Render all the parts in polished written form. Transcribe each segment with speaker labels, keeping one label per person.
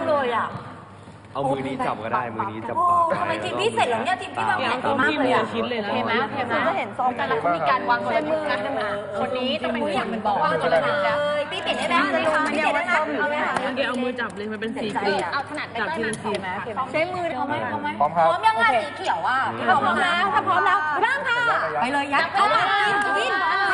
Speaker 1: เลยอ่ะ
Speaker 2: เอามือนี้จับก็ได้มือนี้จับปาก
Speaker 1: ทำไมทีมพี่เสร็จแล้วเนี่ยทีมพี่วางแผนดีมากเลยอ่ะ
Speaker 3: ชิ้นเลยนะ
Speaker 1: เห็นไหม
Speaker 3: จะเห็นซองแต่ละมีการวางตัวมือนะคนนี้จะเป็นอย่างมันบอกว่าตัวละ
Speaker 1: เลยพี่เปลี่ยนได้ไหมพี่เปลี่ยนได้ไหมเอาไหมคะ
Speaker 3: เดี๋ยวเอามือจับเลยมันเป็นสีกรีเอาถนัดจับทีละสีใช้มือเอาไหม
Speaker 1: พร้อมยังไงสีเขียวอ่ะพร้อมแล้วถ้าพร้อมแล้วเริ่มค่ะไปเลยยัดเข้ามากิน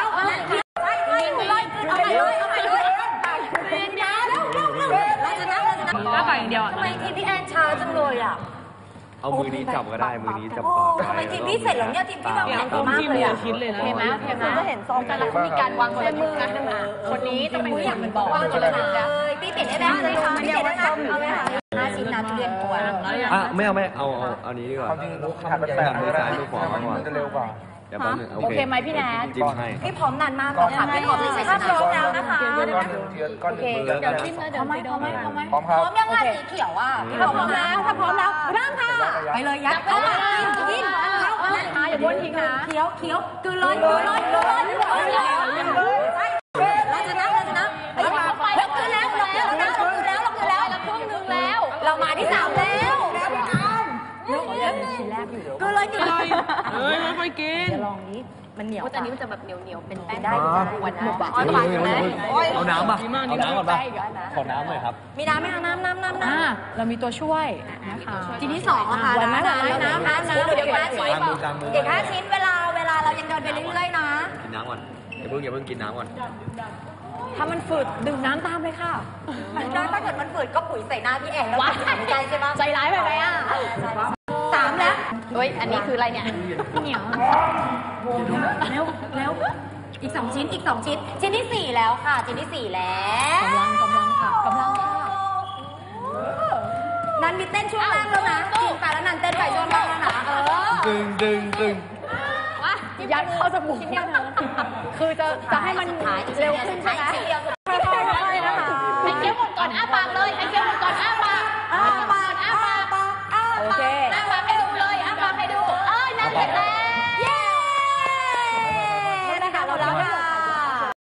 Speaker 3: แล้วไปอย่างเดียว
Speaker 1: ทำไมทีมพี่แอนช้าจังเลยอ่ะ
Speaker 2: เอามือนี้จับก็ได้มือนี้จับปาก
Speaker 1: ทำไมทีมพี่เสร็จแล้วเนี่ยทีมพี่วางแผนดีมากเลยอ่ะ
Speaker 3: ชิ้นเลยนะ
Speaker 1: เห็นไหม
Speaker 3: จะเห็นซองแต่ละมีการวางตัวมือนะคนนี้จะเป็นอย่างมันบอกว่าตัวละ
Speaker 1: เลยพี่เปลี่ยนได้ไหมพี่เปลี่ยนได้ไหมเอาไหมคะ5 ชิ้นนะทุเรียนกวน
Speaker 2: ไม่เอาอันนี้ดีกว่าถนัดมือซ้ายมือขวามากกว่า
Speaker 4: จะเร็วกว่า
Speaker 2: เดี๋ยวแป๊บนึง
Speaker 3: โอเคไหมพี่แนท
Speaker 2: จิ้มให้
Speaker 1: พี่พร้อมนานมากเลยค่ะพี่พร้อมที่จะพร้อมแล้วนะคะ
Speaker 4: ก้อนหนึ่งเดี๋ยว
Speaker 3: จิ้มแล้วเดี๋ยวไม่
Speaker 1: พร้อมยังไงสีเขียวอ่ะพี่พร้อมแล้วถ้าพร้อมแล้วเริ่มค่ะไปเลยยัดเข้ามากิน
Speaker 3: อย่าบ้วนทิ้งนะ
Speaker 1: เคี้ยวกืนเลยเราชนะเราคืนแล้วเราครึ่งนึงแล้วเรามาที่3แล้วก็เลยกินเลย
Speaker 3: ไม่ค่อยกิน
Speaker 1: ลองนี้มันเหนียว
Speaker 3: แต่อันนี้มันจะแบบเหนียวเป็นแป้ง
Speaker 1: ได้
Speaker 3: วันนะ
Speaker 2: เอาน้ำป่ะเอาน้ำก่อนป่ะขอน้ำหน่อยครับ
Speaker 1: มีน้ำไหมคะน้ำ
Speaker 3: เรามีตัวช่วยนะคะ
Speaker 1: ทีที่2ค่ะน้ำเดี๋ยว5 ชิ้นเวลาเรายังเดินไปเรื่อยๆนะ
Speaker 2: กินน้ำก่อนอย่าเพิ่งกินน้ำก่อน
Speaker 3: ถ้ามันฝืดดื่มน้ำตามเลยค่ะ
Speaker 1: ถ้าเกิดมันฝืดก็ปุ๋ยใส่หน้าพี่แอนแล้วใจใช่ไหม
Speaker 3: ใจร้ายแบบไหนอ่ะ
Speaker 1: 3แล้ว
Speaker 3: เฮ้ยอันนี้คืออะไรเนี่ยเหนียว
Speaker 1: เร็วอีก2 ชิ้นชิ้นที่4แล้วค่ะชิ้นที่4แล้ว
Speaker 3: กำลังค่ะ
Speaker 1: นันมีเต้นช่วงแรกแล้วนะกินไปแล้วนันเต้นไปช่วงแรกแล้วนะ
Speaker 2: ดึง
Speaker 3: ยัดเข้าจมูกคือจะให้มันเร็วขึ้นใช่ไหม